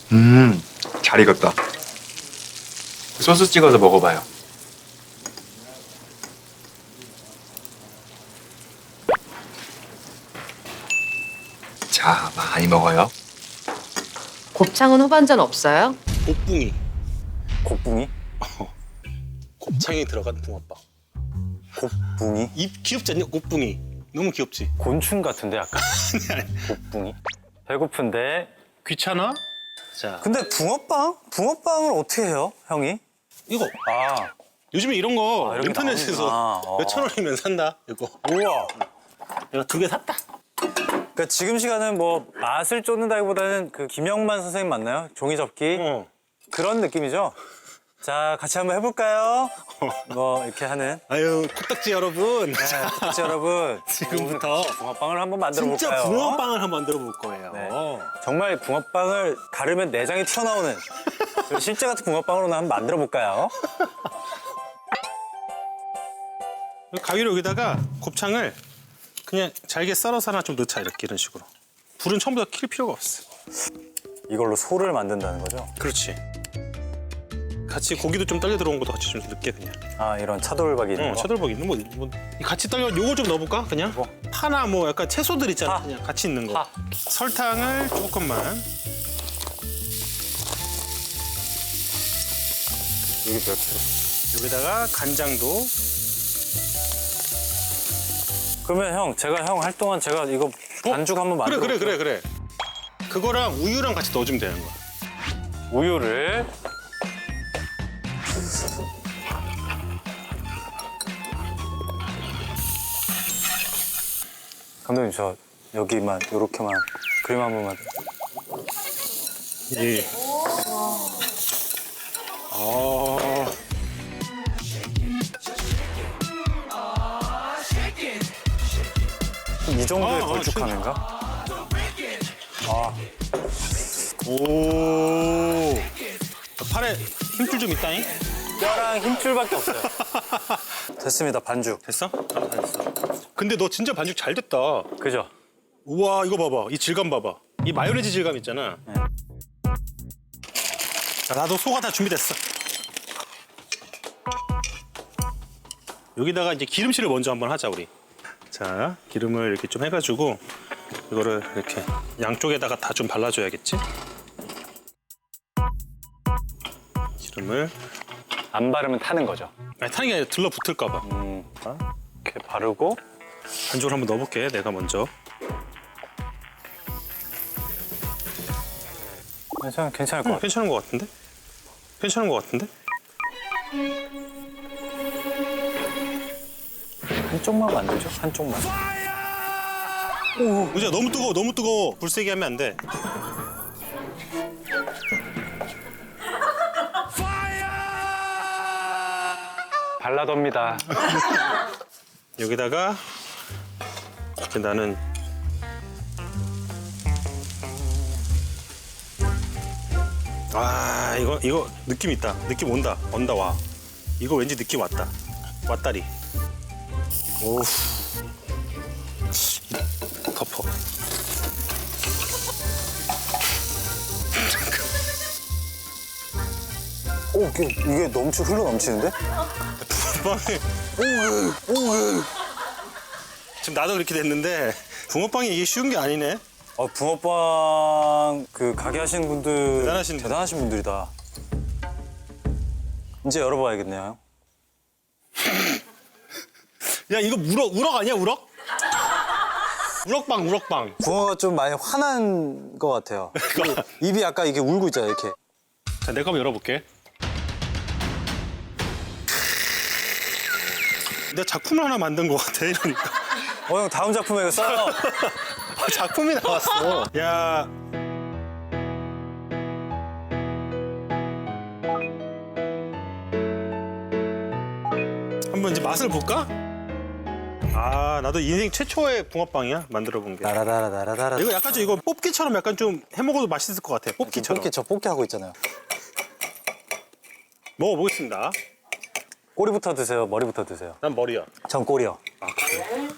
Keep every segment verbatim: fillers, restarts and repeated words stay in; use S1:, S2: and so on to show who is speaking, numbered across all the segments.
S1: 음, 잘 익었다. 소스 찍어서 먹어봐요. 자, 많이 먹어요.
S2: 곱창은 후반전 없어요?
S3: 곱붕이.
S4: 곱붕이?
S3: 곱창이 들어간 붕어빵.
S4: 곱붕이?
S3: 입 귀엽지 않냐? 곱붕이. 너무 귀엽지?
S4: 곤충 같은데 약간? 곱붕이? 배고픈데.
S3: 귀찮아? 자,
S4: 근데 붕어빵? 붕어빵을 어떻게 해요, 형이?
S3: 이거
S4: 아,
S3: 요즘에 이런 거
S4: 아, 이런 게
S3: 인터넷에서
S4: 나오는구나. 어.
S3: 몇천 원이면 산다. 이거.
S4: 우와.
S3: 내가 두 개 샀다.
S4: 그러니까 지금 시간은 뭐 맛을 쫓는다기보다는 그 김영만 선생님 맞나요? 종이 접기?
S3: 어.
S4: 그런 느낌이죠? 자, 같이 한번 해볼까요? 뭐 이렇게 하는.
S3: 아유, 코딱지 여러분.
S4: 네, 코딱지 여러분.
S3: 지금부터
S4: 붕어빵을 한번 만들어
S3: 진짜
S4: 볼까요?
S3: 붕어빵을 한번 만들어 볼 거예요.
S4: 네. 정말 붕어빵을 가르면 내장이 튀어나오는 그런 실제 같은 붕어빵으로 한번 만들어 볼까요?
S3: 가위로 여기다가 곱창을 그냥 잘게 썰어서 하나 좀 넣자. 이렇게 이런 식으로. 불은 처음부터 킬 필요가 없어.
S4: 이걸로 소를 만든다는 거죠?
S3: 그렇지. 같이 고기도 좀 떨려 들어온 것도 같이 좀 넣게 그냥.
S4: 아, 이런 차돌박이 있는
S3: 어,
S4: 거?
S3: 차돌박이 있는 뭐, 뭐 같이 떨려. 요거 좀 넣어볼까 그냥?
S4: 뭐?
S3: 파나 뭐 약간 채소들 있잖아.
S4: 파.
S3: 그냥 같이 있는 거.
S4: 파.
S3: 설탕을 조금만.
S4: 여기 몇 킬로?
S3: 여기다가 간장도.
S4: 그러면 형, 제가 형 할 동안 제가 이거 반죽 한번
S3: 그래
S4: 만들어
S3: 그래 그래 그래. 그거랑 우유랑 같이 넣어주면 되는 거야.
S4: 우유를 감독님 저 여기만 요렇게만 그림 한 번만.
S3: 예. 아.
S4: 이 정도의
S3: 아, 아,
S4: 걸쭉함인가?
S3: 오. 팔에 힘줄 좀 있다잉.
S4: 뼈랑 힘줄밖에 없어요. 됐습니다, 반죽.
S3: 됐어? 아, 됐어. 근데 너 진짜 반죽 잘 됐다.
S4: 그죠?
S3: 우와, 이거 봐봐. 이 질감 봐봐. 이 마요네즈 질감 있잖아.
S4: 네.
S3: 자, 나도 소가 다 준비됐어. 여기다가 이제 기름칠을 먼저 한번 하자, 우리. 자, 기름을 이렇게 좀 해가지고 이거를 이렇게 양쪽에다가 다 좀 발라줘야겠지? 기름을.
S4: 안 바르면 타는 거죠.
S3: 아니, 타는 게 아니라 들러붙을까 봐.
S4: 음, 이렇게 바르고
S3: 반죽을 한번 넣어볼게, 내가 먼저.
S4: 괜찮, 괜찮을 것
S3: 응,
S4: 같아요.
S3: 괜찮은 것 같은데? 괜찮은 것 같은데?
S4: 한쪽만 만들죠? 한쪽만.
S3: 의자 너무 뜨거워, 너무 뜨거워. 불 세게 하면 안 돼.
S4: 발라덥니다.
S3: 여기다가 이렇게 나는 아 이거 이거 느낌 있다. 느낌 온다. 온다 와. 이거 왠지 느낌 왔다. 왔다리. 오우. 덮어.
S4: 오, 이게, 이게 넘치, 흘러 넘치는데?
S3: 붕어빵이 지금 나도 그렇게 됐는데 붕어빵이 이게 쉬운 게 아니네.
S4: 어, 붕어빵 그 가게 하시는 분들
S3: 대단하신
S4: 대단하신 분들이다. 이제 열어봐야겠네요.
S3: 야 이거 우럭 우럭 아니야 우럭? 우럭빵 우럭빵.
S4: 붕어가 좀 많이 화난 것 같아요. 그 입이 약간 이게 울고 있잖아요, 이렇게.
S3: 자, 내거 한번 열어볼게. 내가 작품을 하나 만든 것 같아 이러니까.
S4: 어, 형 다음 작품에 이거 써요.
S3: 작품이 나왔어. 야. 한번 이제 맛을 볼까? 아, 나도 인생 최초의 붕어빵이야 만들어 본 게.
S4: 나라다라다라다라.
S3: 이거 약간 좀 이거 뽑기처럼 약간 좀 해먹어도 맛있을 것 같아. 뽑기처럼.
S4: 뽑기, 저 뽑기 하고 있잖아요.
S3: 먹어보겠습니다.
S4: 꼬리부터 드세요, 머리부터 드세요.
S3: 난 머리야.
S4: 전 꼬리요.
S3: 아, 그래?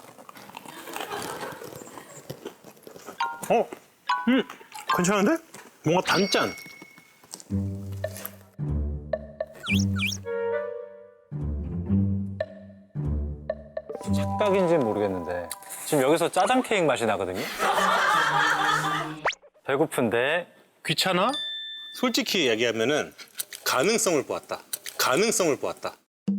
S3: 어? 음, 괜찮은데? 뭔가 단짠.
S4: 착각인지는 모르겠는데 지금 여기서 짜장 케이크 맛이 나거든요. 배고픈데
S3: 귀찮아? 솔직히 얘기하면은 가능성을 보았다. 가능성을 보았다.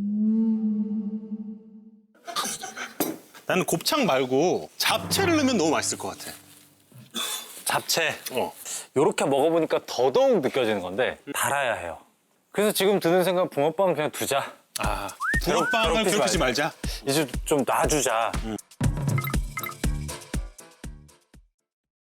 S3: 나는 곱창 말고 잡채를 넣으면 너무 맛있을 것 같아.
S4: 잡채
S3: 어.
S4: 요렇게 먹어보니까 더더욱 느껴지는 건데 달아야 해요. 그래서 지금 드는 생각 붕어빵은 그냥 두자.
S3: 아,
S4: 괴롭-
S3: 붕어빵을
S4: 괴롭히지
S3: 괴롭히지
S4: 말자.
S3: 말자.
S4: 이제 좀 놔주자.